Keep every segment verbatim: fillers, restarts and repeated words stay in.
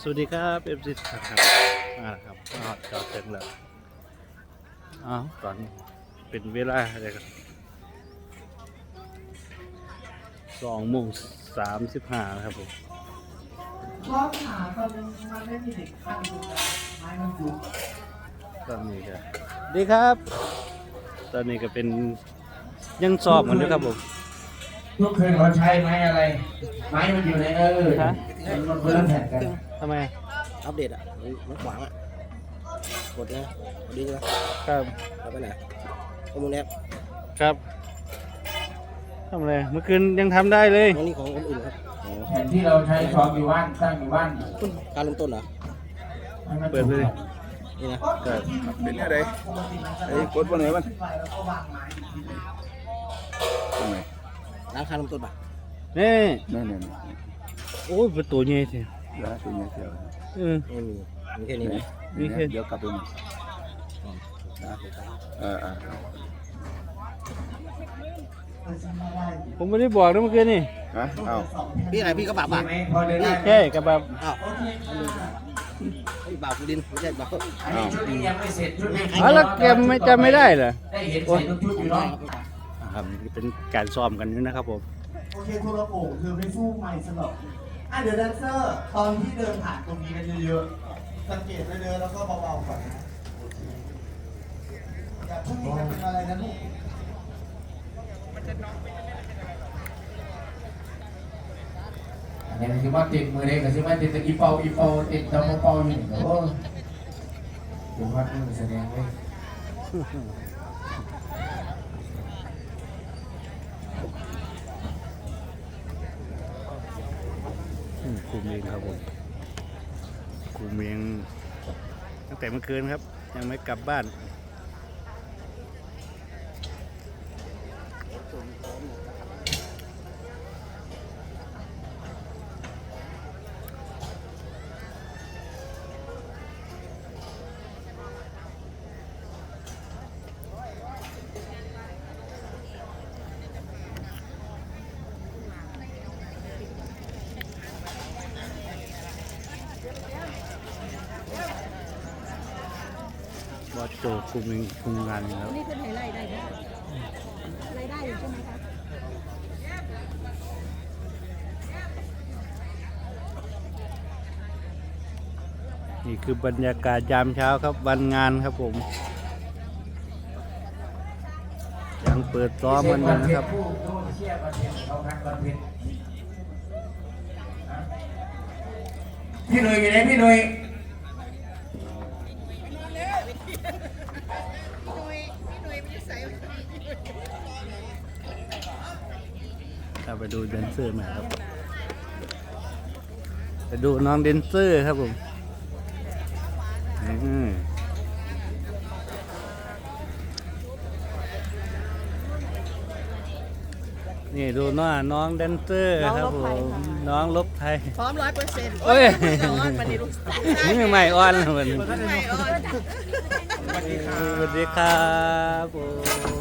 สวัสดีครับเอฟซีครับมาแล้วครับมาจอดเต็มแล้วอ้าวตอนเป็นเวลาอะไรครับสองโมงสามสิบห้าครับผมชอบหาตอนมันไม่มีเด็กข้างดูกันไม้มันยุบตอนนี้ก็ดีครับ ตอนนี้ก็เป็นยังสอบเหมือนเดิมครับผมทุกคืนเขาใช้ไม้อะไร ไม้มันอยู่ในเออฮะมันเพื่อนแผ่นกันทำไมอัปเดตอ่ะมันขวางอ่ะกดนะกดดีใช่ไหมครับเอาไปไหนข้อมูลแอปครับทำอะไรเมื่อคืนยังทำได้เลยน้องนี่ของคนอื่นครับอ๋อแผ่นที่เราใช้ซ้อมอยู่บ้านสร้างอยู่บ้านการเริ่มต้นเหรอให้มันเปิดเลยนี่นะครับเป็นอะไรไอ้กดวันไหนมันตรงไหนร้านค้าเริ่มต้นป่ะนี่นั่นนี่โอ้ยประตูใหญ่ทีร้านเป็นยังไงเออไม่มีมีแค่นี้ไหมมีแค่เดี๋ยวกลับไปใหม่ร้านเปิดไปเออเออผมไม่ได้บอกนะเมื่อคืนนี่ฮะเอ้าพี่อะไรพี่ก็บาปอ่ะไหมพอเดินได้แค่กับแบบอ้าวไอ้บาปกูดินไม่ใช่บาปอันนี้ชุดนี้ยังไม่เสร็จชุดนี้อ๋อแล้วแกไม่จำไม่ได้เหรอได้เห็นใส่ทุกชุดอยู่เนาะครับเป็นการซ้อมกันอยู่นะครับผมโอเคโทรโขงคือไม่สู้ไม่สนุกอ่ะเดี๋ยวแดนเซอร์ตอนที่เดินผ่านตรงนี้กันเยอะๆ สังเกตไปเดินแล้วก็เบาๆก่อนนะโอเคอย่าเพิ่งมีกันเป็นอะไรนะลูกอันนี้คือว่าติดมือเด็กก็คือว่าติดตะกี้เป่าอีเป่าติดตะโมเป่าอยู่นี่ก็โอ้เดี๋ยววัดมือแสดงเลยอืมคุมเองครับผมคุมเองตั้งแต่เมื่อคืนครับ ยังไม่กลับบ้านบอสโจคุมเองคุมงานอยู่แล้วนี่เป็นไฮไลท์ได้ไหมรายได้อยู่ใช่ไหมคะนี่คือบรรยากาศยามเช้าครับวันงานครับผมยังเปิดซ้อมกันอยู่นะครับผู้โดนเชี่ยประเทศเขาพักประเทศพี่หนุ่ยอยู่ไหนพี่หนุ่ยเราไปดูแดนเซอร์มาครับไปดูน้องแดนเซอร์ครับผมอืมนี่ดูหน้าน้องแดนเซอร์ครับผมน้องลบไทยพร้อมร้อยเปอร์เซ็นต์เอ้ยร้อนวันนี้ลูกสาวนี่ยังไม่อ่อนเลยมันไม่อ่อนสวัสดีครับผม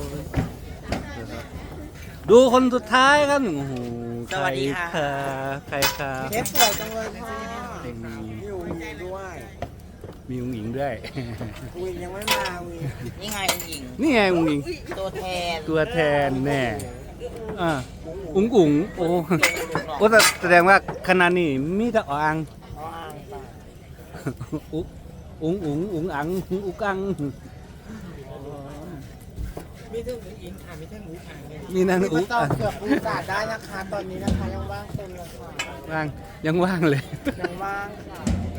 ดูคนสุดท้ายครับโอ้โหใครค่ะใครค่ะเชฟสวยจังเลยพ่อมีมีอุ้งอิงด้วยมีอุ้งอิงด้วยอุ้งอิงยังไม่มาอุ้งอิงนี่ไงอุ้งอิงนี่ไงอุ้งอิงตัวแทนตัวแทนแน่อ่าอุ๋งอุ๋งโอ้โอ้แต่แสดงว่าขณะนี้มีแต่อ่างอ๋ออ่างป่ะอุ๋งอุ๋งอุ๋งอุ๋งอังอุกอังมีเรื่องอุ้งอิงค่ะมีเรื่องอุ้งอิงเนี่ยมีนั่นมีอุมาก ตออับงเกือบอุตส่าห์ได้นะคะตอนนี้นะคะยังว่างเต็มเลยค่ะว่างยังว่างเลยยังว่างค่ะ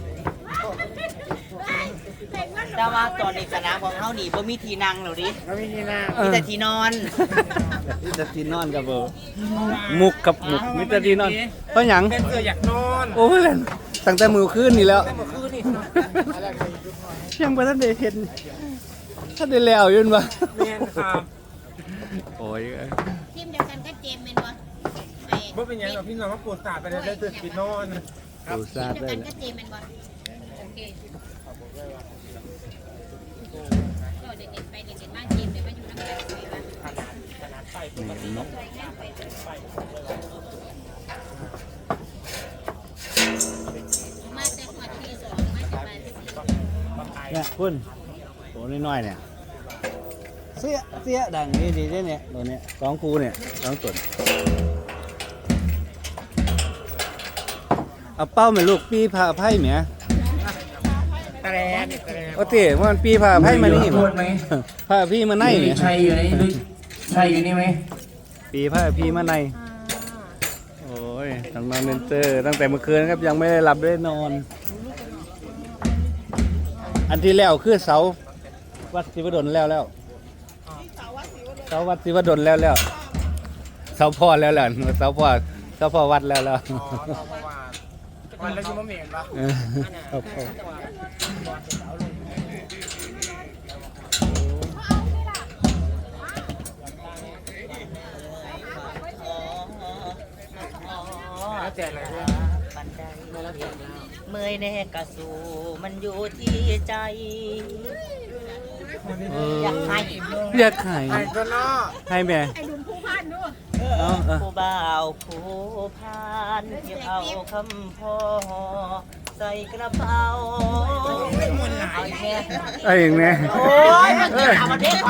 แต่ว่าตอนนี้คณะของเขาหนีบ่มีที่นั่งหรอดิไม่มีที่นั่งมีแต่ที่นอนมิตรที่นอนกับเบอร์มุกกับมุกมิตรที่นอนเพราะหยังเป็นเสืออยากนอนโอ้ยตั้งแต่มือขึ้นนี่แล้วเมื่อคืนนี่ยังไม่ทันได้เห็นท่านได้แล้วอยืนวะเมียนค่ะโอ้ยทีมเดียวกันก็เจมเป็นวะบ่เป็นหยังหรอกพี่น้องว่าปวดสาดไปได้ได้ตื่นกินนอนดูซาดเดียวได้กันเลยก็เจมเป็นวะโอเคก็เด็กๆไปเด็กๆมาเจมเดี๋ยวมาอยู่น้ำกันไปวะนี่นกมาแต่หัวทีเนี่ยคุณตัวน้อยๆเนี่ยเสียเสียดังดีดีๆเนี่ยตัวเนี้ยสองคูเนี่ยสองตัวเอาเป้าไหมลูกปีผ่าไพ่เหมียตะแลนตะแลนโอเคมันปีผ่าไพ่มานี่โทษไหมผ่าพี่มาในเนี่ยชัยอยู่ในนี่ชัยอยู่นี่ไหมปีผ่าพี่มาในโอ้ยทางนอนเดนเตอร์ตั้งแต่เมื่อคืนครับยังไม่ได้หลับได้นอน อันที่แล้วคือเสาวัดศิวดลแล้วแล้วเสาวัดศิวดลแล้วแล้วเสาพ่อแล้วแล้วเสาพ่อเสาพ่อวัดแล้วแล้วอ๋อเราประมาณวันแล้วชิมะเหม็นปะเออเสาพ่อแล้วแจกอะไรด้วยบันไดเมื่อยแน่กะสูมันอยู่ที่ใจเอออยากให้เรียกไข่ไข่ตัวนอกให้แม่ไอ้หนุ่มผู้พันด้วยเอาเอาผู้บ่าวผู้พานเก็บเอาคำพ่อใส่กระเป๋าเอาแค่ไอ้อย่างเนี้ยโอ้ยมันจะทำมันเด็กไป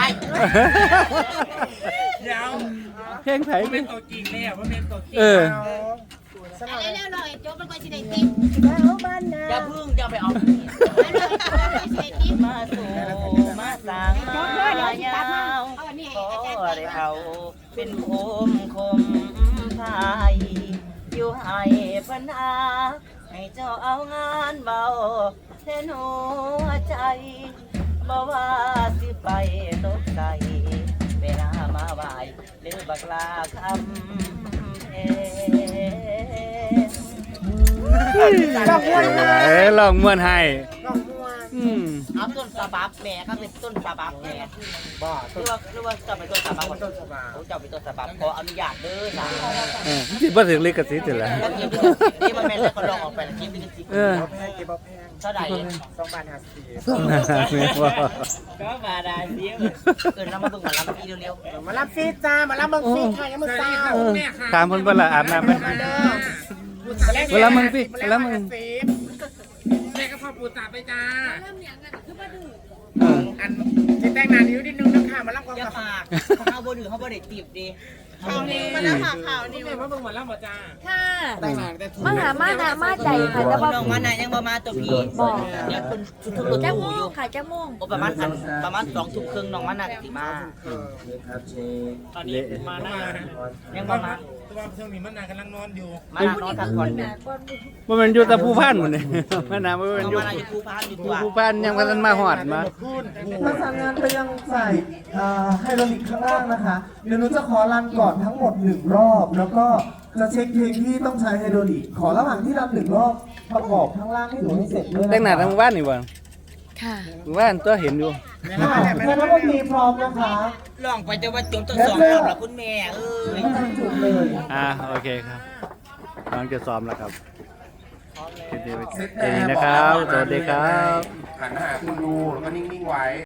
เดี๋ยวเพลงไทยเป็นตัวจริงเลยอ่ะว่าเป็นตัวจริงเอออะไรแล้วหน่อยโจ๊กมันก็สิได้ติ๊บอย่าพึ่งอย่าไปเอาแล้วหน่อยโจ๊กมันก็สิได้ติ๊บมาสู่มาสางมายาวขอได้เอาเป็นโคมคมพายอยู่ให้ปัญหาให้เจ้าเอางานเบาแทนหัวใจบ่ว่าสิไปตกใจเวลามาไหวหรือบักลาคำเพลงเอ้ยลองมวนให้น้องมัวอืมเอาต้นสะบับแม่ครับเป็นต้นสะบับแม่บ้าหรือว่าหรือว่าจะเป็นต้นสะบับก่อนต้นฉบับเขาจะเป็นต้นสะบับขออนุญาตเด้อนะเออจิบ่ถึงลิขสิทธิ์อยู่แล้วแล้วเก็บลิขสิทธิ์นี่มันแม่นแล้วก็ลองออกไปแล้วเก็บลิขสิทธิ์เออเอาแพงเก็บเอาแพงเท่าไหร่สองบาทห้าสิบแม่ว่าก็มาได้เดียวเกินน้ำมาเบิ่งหมาลำพี่เร็วมารับฟีจ้ามารับบังฟีค่ะยังมือเศร้าเออถามเพิ่นเพิ่นละอาบน้ำไปมาเด้อเวลามึงสิเวลามึงแม่ก็พอปูตาไปจ้าเริ่มอย่างนั้นคือบ่ดื้อเอออันที่แต่งงานนิ้วนิดนึงนะคะมารับความๆอย่ากับปากเขาบ่ดื้อเขาบ่ได้ตีบดีเขาบ่ได้มาแล้วค่ะข่าวนี่แม่มาเบิ่งมารับบ่จ้าค่ะแต่งงานแต่ถูกมาหามานะมาใจค่ะแต่ว่าน้องมาไหนยังบ่มาตัวพี่เนี่ยคนชุดทุกรถจะตู้ม่วอยู่งค่ะจะม่วงโอ้ประมาณอันประมาณสองทุ่มครึ่งน้องมาน่ะสิมาตอนนี้มาหน้ายังบ่มาตัวช่วงนี้มันนานกำลังนอนอยู่มาน่ะนอนพักผ่อนอยู่บ่แม่นอยู่แต่ผู้พันหมดนี่มันน่ะบ่แม่นน้องอยู่มาน่ะอยู่ภูพานอยู่ตัวผู้พันยังบ่ทันมาฮอดมาประสานงานไปยังฝ่ายเอ่อไฮโดรลิกข้างล่างนะคะ เดี๋ยวหนูจะขอรันก่อนทั้งหมดหนึ่งรอบ แล้วก็จะเช็คเพลงที่ต้องใช้ไฮโดรลิก ขอระหว่างที่รันหนึ่งรอบประกอบข้างล่างให้หนูให้เสร็จด้วยนะคะแต่งหน้าทั้งบ้านนี่บ่ค่ะหมู่บ้านตัวเห็นอยู่ค่ะคณะดนตรีพร้อมนะคะลองไปแต่ว่าจนต้องสองรอบแล้วคุณแม่เอ้ยไม่ทันจุดเลยอ่าโอเคครับกำลังจะซ้อมแล้วครับคลิปนี้เซ็ตแค่นี้นะครับ สวัสดีครับหันหาคุณดูแล้วก็นิ่งๆไว้